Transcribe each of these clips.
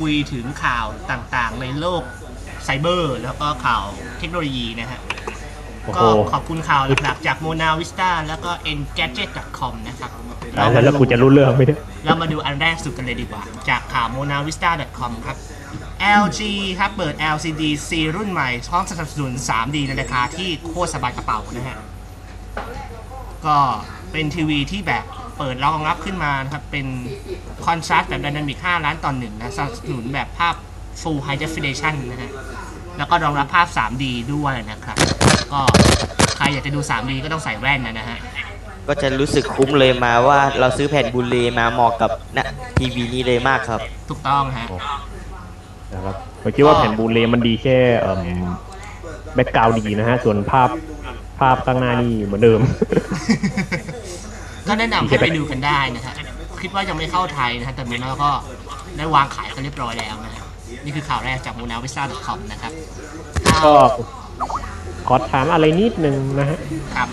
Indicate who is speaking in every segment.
Speaker 1: คุยถึงข่าวต่างๆในโลกไซเบอร์แล้วก็ข่าวเทคโนโลยีนะฮะก็ขอบคุณข่าวหลักๆจาก Mona Vista แล้วก็ engadget.com นะครับ
Speaker 2: แล้วกูจะรู้เรื่องไหมเนี่ย
Speaker 1: เรามาดูอันแรกสุดกันเลยดีกว่าจากข่าว monavista.com ครับ LG ครับเปิด LCD C รุ่นใหม่พร้อมสนับสนุน 3D ในราคาที่โคตรสบายกระเป๋านะฮะก็เป็นทีวีที่แบบเปิดรองรับขึ้นมานะครับเป็นคอนทราสต์แบบ Dynamic 5 ล้านต่อ 1นะสนับสนุนแบบภาพ Full High Definition นะฮะแล้วก็รองรับภาพ 3D ด้วยนะครับก็ใครอยากจะดู 3D ก็ต้องใส่แว่นนะฮะ
Speaker 3: ก็จะรู้สึกคุ้มเลยมาว่าเราซื้อแผ่นบูเลมาเหมาะกับนะทีวีนี้เลยมากครับ
Speaker 1: ถูกต้องฮะ
Speaker 2: นะครับผมคิดว่าแผ่นบูเลมันดีแค่แบ็คกราวด์ดีนะฮะส่วนภาพข้างหน้านี่เหมือนเดิม
Speaker 1: ก็แนะนำให้ไปดูกันได้นะฮะคิดว่ายังไม่เข้าไทยนะฮะแต่เมื่อแล้วก็ได้วางขายกันเรียบร้อยแล้วนะฮะนี่คือข่าวแรกจาก monavista.com นะครับ
Speaker 2: ก็ขอถามอะไรนิดนึงนะฮะ
Speaker 1: ครับ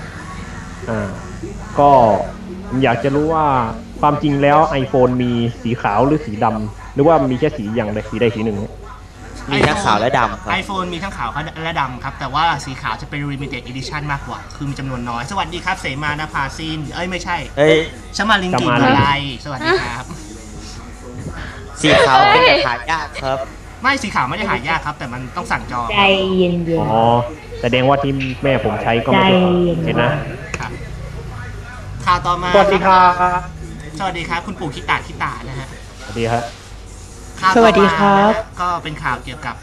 Speaker 2: ก็อยากจะรู้ว่าความจริงแล้ว iPhone มีสีขาวหรือสีดำหรือว่ามีแค่สีอย่างใดสีใดสีหนึ่ง
Speaker 3: มีทั้งขาวและดำครับ
Speaker 1: iPhone มีทั้งขาวและดำครับแต่ว่าสีขาวจะเป็น limited edition มากกว่าคือมีจำนวนน้อยสวัสดีครับเสมานภาซินไม่ใช่ชมาลิงกินอะไรสวัสดีครับ
Speaker 3: สีขาวเป็นหายากครับ
Speaker 1: ไม่สีขาวไม่ได้หายากครับแต่มันต้องสั่งจอง
Speaker 4: ใจเย็นๆ
Speaker 2: อ๋อแสดงว่าที่แม่ผมใช้ก็ไม่ได้เห็นนะ
Speaker 1: ข่าวต่อมา
Speaker 2: สวัสดีครับ
Speaker 1: สวัสดีครับคุณปู่คิตานะฮะ
Speaker 2: สวัสดีครับ
Speaker 4: สวัสดีครับ
Speaker 1: ก็เป็นข่าวเกี่ยวกับ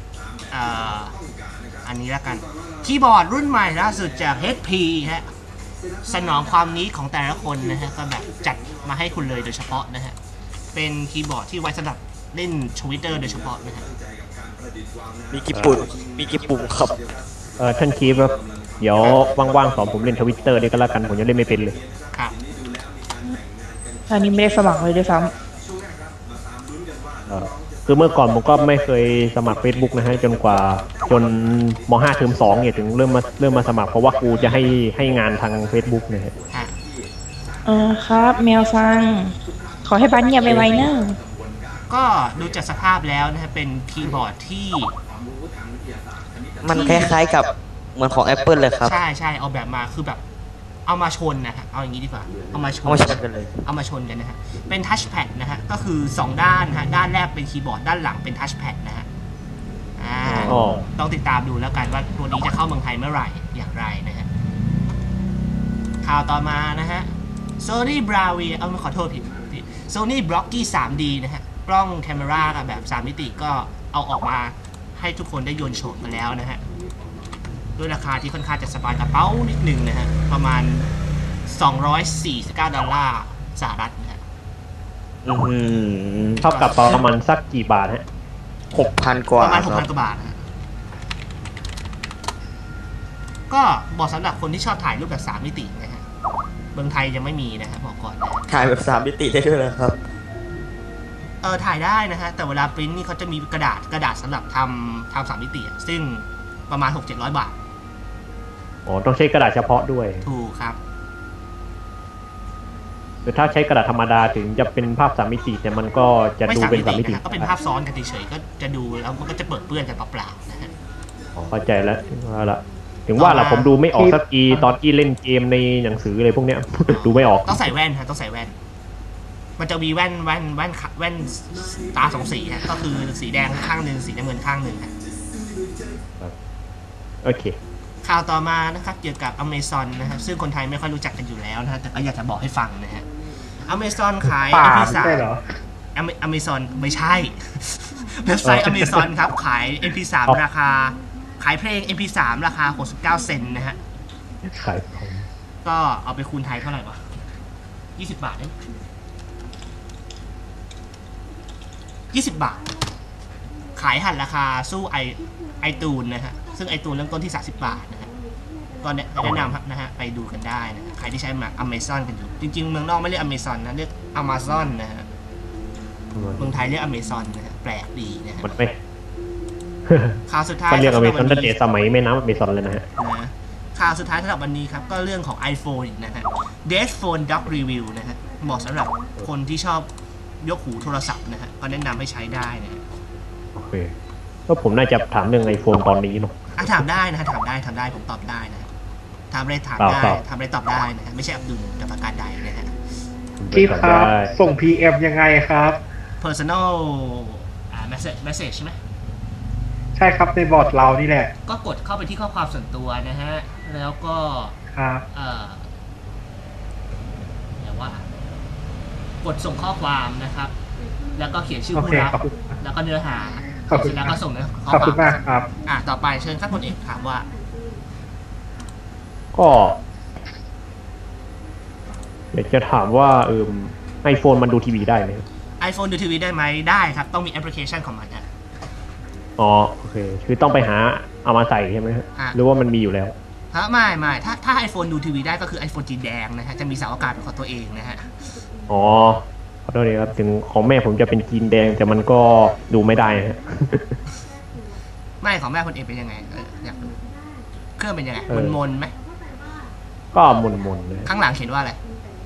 Speaker 1: อันนี้แล้วกันคีย์บอร์ดรุ่นใหม่ล่าสุดจาก HP ฮะสนองความนี้ของแต่ละคนนะฮะก็แบบจัดมาให้คุณเลยโดยเฉพาะนะฮะเป็นคีย์บอร์ดที่ไว้สำหรับเล่น Twitter โดยเฉพาะนะฮะ
Speaker 3: มีกี่ปุ่มครับ
Speaker 2: ท่านคีฟครับเดี๋ยวว่างๆสอนผมเล่น Twitter ด้วยก็แล้วกันผมยังเล่นไม่เป็นเลย
Speaker 1: ครับ
Speaker 4: อันนี้ไม่ได้สมัครเลยด้วยซ้ำ
Speaker 2: คือเมื่อก่อนผมก็ไม่เคยสมัคร Facebook นะฮะจนม.5 เทอม 2เนี่ยถึงเริ่มมาสมัครเพราะว่าครูจะให้งานทาง Facebook นะฮะ
Speaker 4: ครับแมวฟังขอให้บ้านเงียบไวๆเนอะ
Speaker 1: ก็ดูจากสภาพแล้วนะฮะเป็นคีย์บอร์ดที่
Speaker 3: มันคล้ายๆกับเหมือนของ Apple เลยครับ
Speaker 1: ใช่เอาแบบมาคือแบบเอามาชนนะฮะเอาอย่างนี้ดีกว่าเอามาชน
Speaker 3: กันเลย
Speaker 1: เอามาชนกันนะฮะเป็นทัชแพดนะฮะก็คือ2ด้านฮะด้านแรกเป็นคีย์บอร์ดด้านหลังเป็นทัชแพดนะฮะต้องติดตามดูแล้วกันว่าตัวนี้จะเข้าเมืองไทยเมื่อไหร่อย่างไรนะฮะข่าวต่อมานะฮะ Sony Bravia ขอโทษผิด Sony Blocky 3D นะฮะกล้องแคมราแบบ3มิติก็เอาออกมาให้ทุกคนได้โยนโฉมมาแล้วนะฮะด้วยราคาที่ค่อนข้างจะสบายกระเป๋านิดนึงนะฮะประมาณ$249สหรัฐนะฮะ
Speaker 2: เท่ากับประมาณสักกี่บาทฮะ
Speaker 3: 6,000 กว่า
Speaker 1: ประมาณ 6,000 กว่าบาทฮะก็บอกสำหรับคนที่ชอบถ่ายรูปแบบ3มิตินะฮะเมืองไทยยังไม่มีนะฮะบอกก่อนนะ
Speaker 3: ถ่ายแบบ3มิติได้ด้วยเหรอครับ
Speaker 1: ถ่ายได้นะฮะแต่เวลาปริ้นนี่เขาจะมีกระดาษสำหรับทำ3มิติซึ่งประมาณ 600-700 บาท
Speaker 2: ต้องใช้กระดาษเฉพาะด้วย
Speaker 1: ถูกครับ
Speaker 2: คือถ้าใช้กระดาษธรรมดาถึงจะเป็นภาพ3มิติแต่มันก็จะดูเป็น3มิติ
Speaker 1: ก็เป็นภาพซ้อนกันเฉยๆก็จะดูแล้วมันก็จะเปิดเปื้อนกันเปล่าๆนะฮะ
Speaker 2: เข้าใจแล้วถึงว่าล่ะผมดูไม่ออกสักทีตอนที่เล่นเกมในหนังสืออะไรพวกเนี้ยดูไม่ออก
Speaker 1: ต้องใส่แว่นฮะต้องใส่แว่นมันจะมีแว่นตา2สีฮะก็คือสีแดงข้างนึงสีน้ำเงินข้างนึงฮะ
Speaker 2: โอเค
Speaker 1: ข่าวต่อมานะครับเกี่ยวกับ Amazon นะครับซึ่งคนไทยไม่ค่อยรู้จักกันอยู่แล้วนะฮะแต่ก็อยากจะบอกให้ฟังนะฮะ Amazon ขาย MP3 Amazon ไม่ใช่เว็บไซต์ Amazon ครับขาย MP3 ราคาขายเพลง MP3 ราคา69 เซนต์นะฮะ
Speaker 2: ขาย
Speaker 1: ก็เอาไปคูณไทยเท่าไหร่วะ20 บาทเอง20 บาทขายหันราคาสู้ไอตูนนะฮะซึ่งไอตูนเริ่มต้นที่30 บาทนะฮะก็แนะนำครับนะฮะไปดูกันได้นะใครที่ใช้มา Amazon กันอยู่จริงๆเมืองนอกไม่เรียก Amazon นะเรียก Amazon นะฮะเมืองไทยเรียก Amazon นะฮะแปลกดีนะฮะข่าวสุดท้าย
Speaker 2: เรียก Amazon ตั้งแต่สมัยไม่นับ Amazon เลยนะฮะ
Speaker 1: ข่าวสุดท้ายสำหรับวันนี้ครับก็เรื่องของ iPhone อีกนะฮะ Dead Phone Doc Review นะฮะเหมาะสำหรับคนที่ชอบยกหูโทรศัพท์นะฮะก็แนะนำให้ใช้ได้นะฮะ
Speaker 2: โอเคก็ผมน่าจะถามเรื่อง iPhone ตอนนี้เนาะ
Speaker 1: ถามได้นะฮะถามได้ผมตอบได้นะฮะถามอะไรถามได้
Speaker 2: ครับ
Speaker 1: ถามอะไรตอบได้นะฮะไม่ใช่อับดุลกับประกาศใดนะฮะ
Speaker 5: พี่ครับส่ง PM ยังไงครับ
Speaker 1: personal message ใช่ไหม
Speaker 5: ใช่ครับในบอร์ดเรานี่แหละ
Speaker 1: ก็กดเข้าไปที่ข้อความส่วนตัวนะฮะแล้วก็
Speaker 5: ครับ
Speaker 1: แต่ว่ากดส่งข้อความนะครับ แล้วก็เขียนชื่อ
Speaker 5: โอ
Speaker 1: ผู้
Speaker 5: เค
Speaker 1: รับ
Speaker 5: ขอบคุณ
Speaker 1: แล้วก็เนื้อหา
Speaker 5: ขอบคุณ
Speaker 1: เสร็จแล้วก็ส่งเนื้อข้อ
Speaker 5: ขอบ
Speaker 1: ควา
Speaker 5: คุ
Speaker 1: ม
Speaker 5: ณมากครับ
Speaker 1: ต่อไปเชิญท่านพลเอกถามว่า
Speaker 2: ก็อยากจะถามว่าiPhone มันดูทีวีได้ไหมครับ
Speaker 1: iPhone ดูทีวีได้ไหมได้ครับ ต้องมีแอปพลิเคชันของมันนะ
Speaker 2: อ๋อโอเคคือต้องไปหาเอามาใส่ใช่ไหมครับ
Speaker 1: อ่ะ
Speaker 2: หรือว่ามันมีอยู่แล้ว
Speaker 1: ฮะไม่ถ้า iPhone ดูทีวีได้ก็คือ iPhone สีแดงนะฮะจะมีเสาอากาศเป็นของตัวเองนะฮะ
Speaker 2: อ๋อขอโทษทีครับถึงของแม่ผมจะเป็นจีนแดงแต่มันก็ดูไม่ได้ฮะ
Speaker 1: ไม่ของแม่พลเอกเป็นยังไงอยากดูเครื่องเป็นยังไง
Speaker 2: เออ
Speaker 1: มนๆไหม
Speaker 2: ก็หมุนๆเลย
Speaker 1: ข้างหลังเขียนว่าอะไร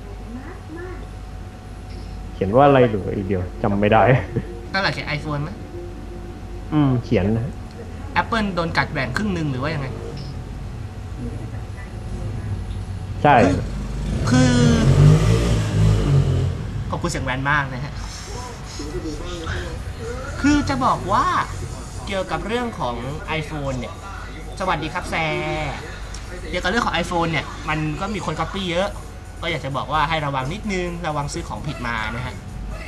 Speaker 2: เขียนว่าอะไรหรืออีกเดียวจำไม่ได้
Speaker 1: ข้างหลังเขียน iPhone ไหม
Speaker 2: เขียนนะ
Speaker 1: Apple โดนกัดแบ่งครึ่งหนึ่งหรือว่ายังไง
Speaker 2: ใช่
Speaker 1: คือขอบคุณเสียงแวนมากนะฮะ คือจะบอกว่าเกี่ยวกับเรื่องของ iPhone เนี่ย สวัสดีครับแซเกี่ยวกับเรื่องของ iPhone เนี่ย มันก็มีคนก๊อปปี้เยอะ ก็อยากจะบอกว่าให้ระวังนิดนึง ระวังซื้อของผิดมานะฮะ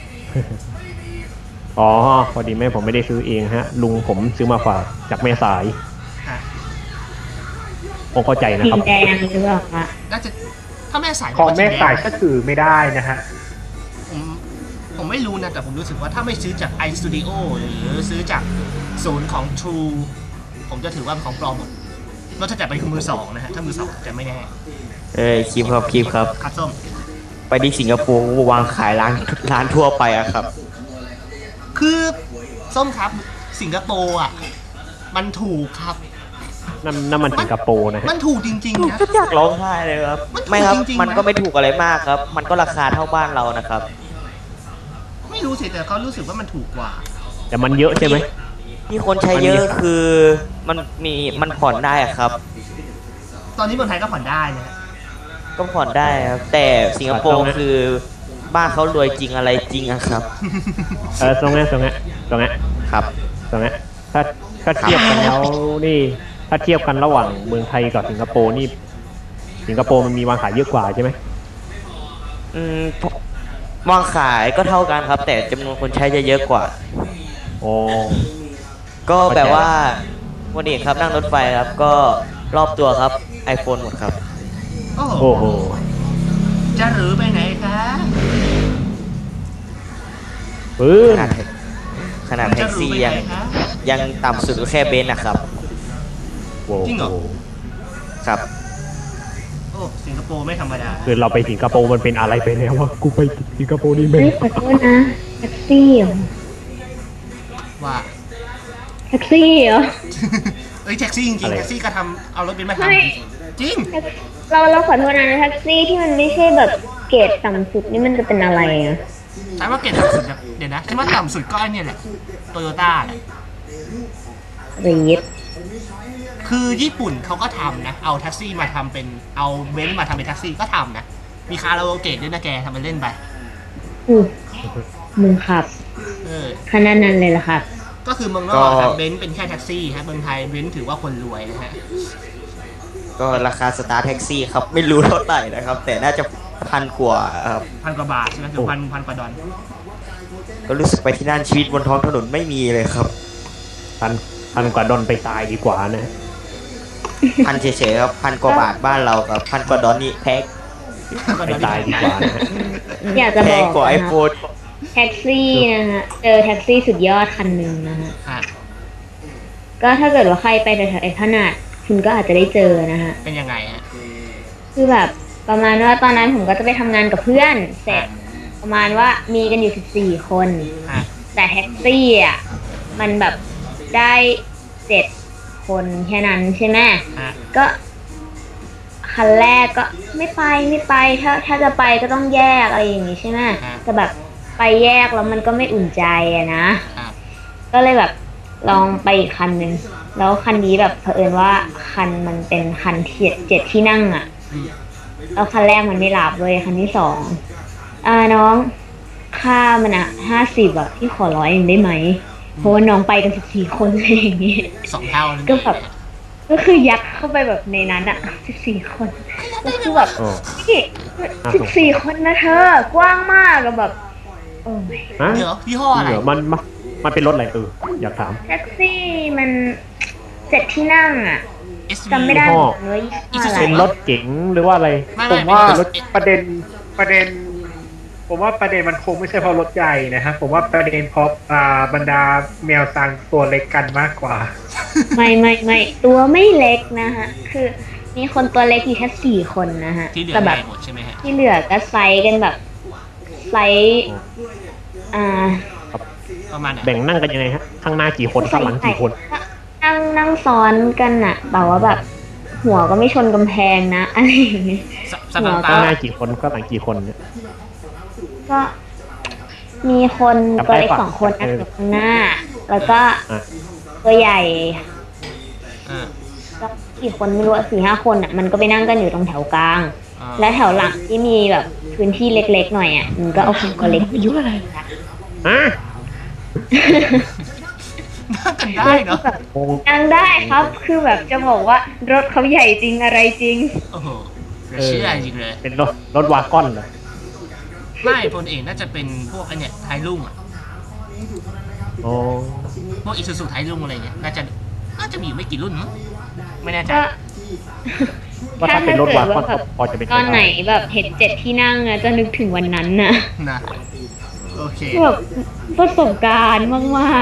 Speaker 2: อ๋อพอดีแม่ผมไม่ได้ซื้อเองฮะ ลุงผมซื้อมาฝากจากแม่สาย
Speaker 1: ฮะ
Speaker 2: ผมเข้าใจนะ
Speaker 4: สี
Speaker 2: ครับ
Speaker 4: แดงหรือเปล่าคะ
Speaker 1: น่าจะถ้าแม่สาย
Speaker 5: ของแม่สาย
Speaker 1: ก็
Speaker 5: ก็ถือไม่ได้นะฮะ
Speaker 1: ผมไม่รู้นะ แต่ผมรู้สึกว่าถ้าไม่ซื้อจาก iStudio หรือซื้อจากศูนย์ของ True ผมจะถือว่าเป็นของปลอมหมดนอกจากเป็นมือสองนะฮะ ถ้ามือสองจะไม่แน่
Speaker 3: คลิปครับ
Speaker 1: ครับส้ม
Speaker 3: ไปที่สิงคโปร์วางขายร้านทั่วไปอะครับ
Speaker 1: คือส้มครับสิงคโปร์อ่ะมันถูกครับ
Speaker 2: นั่นมันสิงคโปร์นะฮะ
Speaker 1: มันถูกจริงๆนะ
Speaker 3: ก็อยากร้องไห้เลยครับ
Speaker 1: มันถูก
Speaker 3: ไม่ครับ
Speaker 1: จริงๆนะ
Speaker 3: มันก็ไม่ถูกอะไรมากครับ มันก็ราคาเท่าบ้านเรานะครับ
Speaker 1: ไม่รู้สิแต่เขารู้สึกว่ามันถูกกว่า
Speaker 2: แต่มันเยอะใช่ไหม
Speaker 3: ที่คนใช้เยอะคือมันผ่อนได้อะครับ
Speaker 1: ตอนนี้เมืองไทยก็ผ่อนได้นะฮะ
Speaker 3: ก็ผ่อนได้ครับ แต่สิงคโปร์คือบ้านเขารวยจริงอะไรจริงอะครับ
Speaker 2: ตรงนี้
Speaker 3: ครับ
Speaker 2: ถ้าเทียบกันแล้วนี่ถ้าเทียบกันระหว่างเมืองไทยกับสิงคโปร์นี่สิงคโปร์มันมีวางขายเยอะกว่าใช่ไหม
Speaker 3: วางขายก็เท่ากันครับ แต่จำนวนคนใช้จะเยอะกว่า
Speaker 2: อ๋อ
Speaker 3: ก็แบบว่าวันนี้ครับนั่งรถไฟครับ ก็รอบตัวครับ iPhone หมดครับ
Speaker 1: โอ้โห
Speaker 2: โอ้โห
Speaker 1: จะหรือไปไหนคะ
Speaker 2: ปื้
Speaker 3: ขนาดขนาดแท็กซี่ยังต่ำสุดก็แค่เบนซ์นะครับ
Speaker 2: โว้โห
Speaker 3: ครับ
Speaker 1: โอ้สิงคโปร์ไม่ธรรมดา
Speaker 2: คือเราไปสิงคโปร์มันเป็นอะไรไปแล้ววะกูไปสิงคโปร์นี่แม่ง
Speaker 4: เฮ้ยขอโทษนะแท็กซี่เหรอ
Speaker 1: ว่า
Speaker 4: แท็กซี่เหรอ
Speaker 1: เอ้ยแท็กซี่จริงๆแท็กซี่ก็ทำเอารถเบนซ์มาท
Speaker 4: ไม่
Speaker 1: ำจริง
Speaker 4: เราขอโทษนะแท็กซี่ที่มันไม่ใช่แบบเกรดต่ำสุดนี่มันจะเป็นอะไรอ่ะ
Speaker 1: ใช่ว่าเกรดต่ำสุดนะเดี๋ยวนะใช่ว่าต่ำสุดก็ไอ้เนี่ยแหละโตโยต้าแหละ
Speaker 4: รีด
Speaker 1: คือญี่ปุ่นเขาก็ทำนะ เอาแท็กซี่มาทำเป็นเอาเบนซ์มาทำเป็นแท็กซี่ก็ทำนะ มีคาราโอเกะด้วยนะแกทำเป็นเล่นไป
Speaker 4: มึงขับ
Speaker 1: เออ
Speaker 4: ขนาดนั้นเลยเหรอครับ
Speaker 1: ก็คือเมืองนอกครับเบนซ์เป็นแค่แท็กซี่ฮะเมืองไทยเบนซ์ถือว่าคนรวยนะฮะ
Speaker 3: ก็ราคาสตาร์ทแท็กซี่ครับ ไม่รู้เท่าไหร่นะครับ แต่น่าจะพันกว่าครับ
Speaker 1: พันกว่าบาทใช่ไหมคือพันกว่าดอล
Speaker 3: ก็รู้สึกไปที่นั่นชีวิตบนท้องถนนไม่มีเลยครับ
Speaker 2: พันกว่าดอลไปตายดีกว่านะ
Speaker 3: พันเฉยๆครับพันกว่าบาทบ้านเรากับพันกว่าดอลนี่แพง
Speaker 2: ไปตายดีกว่านะฮะ
Speaker 4: อยากจะ
Speaker 3: แพ
Speaker 4: บ
Speaker 3: ง
Speaker 4: อก
Speaker 3: กว่าไอ
Speaker 4: นะ
Speaker 3: โฟ
Speaker 4: ครับ
Speaker 3: น
Speaker 4: แท็กซี่นะฮะเจอแท็กซี่สุดยอดคันหนึ่งนะฮะ
Speaker 1: ฮะ
Speaker 4: ก็ถ้าเกิดว่าใครไปแถวๆไอ้ขนาดคุณก็อาจจะได้เจอนะฮะ
Speaker 1: เป็นยังไงฮะ
Speaker 4: คือแบบประมาณว่าตอนนั้นผมก็จะไปทำงานกับเพื่อนเสร็จประมาณว่ามีกันอยู่14 คน
Speaker 1: ฮะ
Speaker 4: แต่แท็กซี่อ่ะมันแบบได้7 คนแค่นั้นใช่ไหม
Speaker 1: ฮะ
Speaker 4: ก็คันแรกก็ไม่ไปถ้าจะไปก็ต้องแยกอะไรอย่างงี้ใช่ไหมแต่แบบไปแยกแล้วมันก็ไม่อุ่นใจอะนะ
Speaker 1: ครับ
Speaker 4: ก็เลยแบบลองไปอีกคันหนึ่งแล้วคันนี้แบบเผอิญว่าคันมันเป็นคันเจ็ดที่นั่งอะ
Speaker 1: อืม
Speaker 4: แล้วคันแรกมันไม่หลับเลยคันที่สองน้องค่ามัน50อะพี่ขอ100เองได้ไหมเพราะว่าน้องไปกัน14 คนอะไรอย่างงี้
Speaker 1: 2 เท่านั่น
Speaker 4: ก็
Speaker 1: เอง
Speaker 4: แบบก็คือยัดเข้าไปแบบในนั้นอะ14 คนก็คือแบบ
Speaker 2: โอ้
Speaker 4: พี่14 คนนะเธอกว้างมากแล้วแบบโอ้ย
Speaker 2: ฮะ
Speaker 1: เดี๋ยวยี่ห้ออะไร
Speaker 2: เดี๋ยวมันเป็นรถอะไรอยากถาม
Speaker 4: แท็กซี่มัน7 ที่นั่งอะ
Speaker 1: SV
Speaker 4: จำไม่ได้
Speaker 2: ยี่ห้อ
Speaker 4: เหมือนว่ายี่ห้ออะไร
Speaker 2: เป็นรถเก๋งหรือว่าอะไร
Speaker 1: ไม่
Speaker 5: ผมว่า
Speaker 1: เป็นรถ
Speaker 5: ประเด็น ผมว่าประเด็นมันคงไม่ใช่เพราะรถใหญ่นะฮะผมว่าประเด็นเพราะบรรดาแมวซางตัวเล็กกันมากกว่า
Speaker 4: ไม่ตัวไม่เล็กนะฮะคือมีคนตัวเล็กอยู่แค่4 คนนะฮะ
Speaker 1: ที่เหลือ
Speaker 4: แต่
Speaker 1: ให
Speaker 4: แบ
Speaker 1: ญ่
Speaker 4: บ
Speaker 1: หมดใช่ไหมฮะ
Speaker 4: ที่เหลือก็ไซส์กันแบบไซส์
Speaker 1: ประมาณไหน
Speaker 2: แบ่งนั่งกันยังไงฮะ ข้างหน้ากี่คนข้างหลังกี่คน
Speaker 4: นั่งซ้อนกันอะแต่ว่าแบบ หัวก็ไม่ชนกำแพงนะอะไรอย่างเงี้ย
Speaker 1: สถาน
Speaker 2: ข้างห
Speaker 1: ตา
Speaker 2: น้ากี่คนข้างหลังกี่คนเนี่ย
Speaker 4: ก็มีคน
Speaker 2: จำ
Speaker 4: ตัว
Speaker 2: ได้
Speaker 4: เล็ก
Speaker 2: ปะ
Speaker 4: 2 คนนั่งอยู่ข้างหน้า แล้วก็
Speaker 2: อ่ะ
Speaker 4: ตัวใหญ่
Speaker 1: อ่า
Speaker 4: ก็กี่คนไม่รู้4-5 คนอะมันก็ไปนั่งกันอยู่ตรงแถวกลาง
Speaker 1: อ่า
Speaker 4: และแถวหลังที่มีแบบพื้นที่เล็กๆหน่อยอ่ะมันก็เอาคนตัวเล็กอายุอะไร
Speaker 2: ฮะ
Speaker 1: น่าจะได้เนาะ
Speaker 2: งง
Speaker 4: นั่งได้ครับ คือแบบจะบอกว่ารถเขาใหญ่จริงอะไรจริง
Speaker 1: โอ้โหเหลือเชื่อจริงเลย
Speaker 2: เป็นรถวากอนเหรอ
Speaker 1: ไม่พลเอกน่าจะเป็นพวกไอเนี่ยไทยรุ่งอ่ะ
Speaker 2: อ๋อ
Speaker 1: พวกอิซูซูไทยรุ่งอะไรเงี้ยน่าจะมีอยู่ไม่กี่รุ่นมั้งไม่แน่ใจ
Speaker 4: ก็
Speaker 2: ว่าถ้าเป็นรถวากอนก็พอจะเป็น
Speaker 4: ตอนไหน
Speaker 2: ด้
Speaker 4: แบบเห็น7 ที่นั่งอะจะนึกถึงวันนั้นน่ะ
Speaker 1: นะโอเค
Speaker 4: แบบประสบการณ์มาก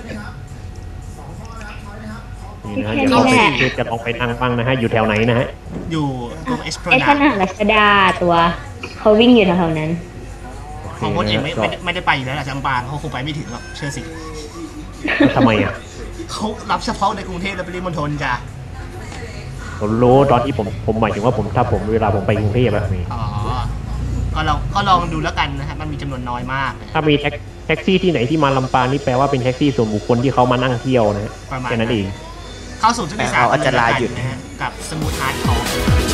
Speaker 2: นี่นะ
Speaker 4: แค่
Speaker 2: เดี๋ยว
Speaker 4: นี้
Speaker 2: เรา
Speaker 4: แหละ
Speaker 2: จะลองไปนั่งบ้างนะฮะ อยู่แถวไหนนะฮะ
Speaker 1: อยู่ตรงเอสโพ
Speaker 4: ๆไอ้ข
Speaker 1: นา
Speaker 4: นาดรัชดาตัวเขาวิ่งอยู่แถวๆนั้น
Speaker 1: ของพลเอกไม่
Speaker 2: ก็
Speaker 1: ไม่ได้ไปอยู่แล้วล่ะจำปาเขาคงไปไม่ถึงหรอกเชื่อสิ
Speaker 2: ทำไมอ่ะ
Speaker 1: เขารับเฉพาะในกรุงเทพและปริมณฑลจ้ะ
Speaker 2: ผมรู้ตอนที่ผมหมายถึงว่าถ้าผมเวลาผมไปกรุงเทพแบบนี้
Speaker 1: อ๋อก็ลองดูแล้วกันนะฮะมันมีจำนวนน้อยมากนะ
Speaker 2: ถ้ามีแท็กซี่ที่ไหนที่มาลำปางนี่แปลว่าเป็นแท็กซี่ส่วนบุคคลที่เขามานั่งเที่ยวนะฮะ
Speaker 1: ประมาณ
Speaker 2: แค่นั้นเอง
Speaker 1: เข้าสู่ช่วงที่
Speaker 3: เอาอาจจะลาหยุด
Speaker 1: นะฮะกับสมูทฮาร์ดคอร์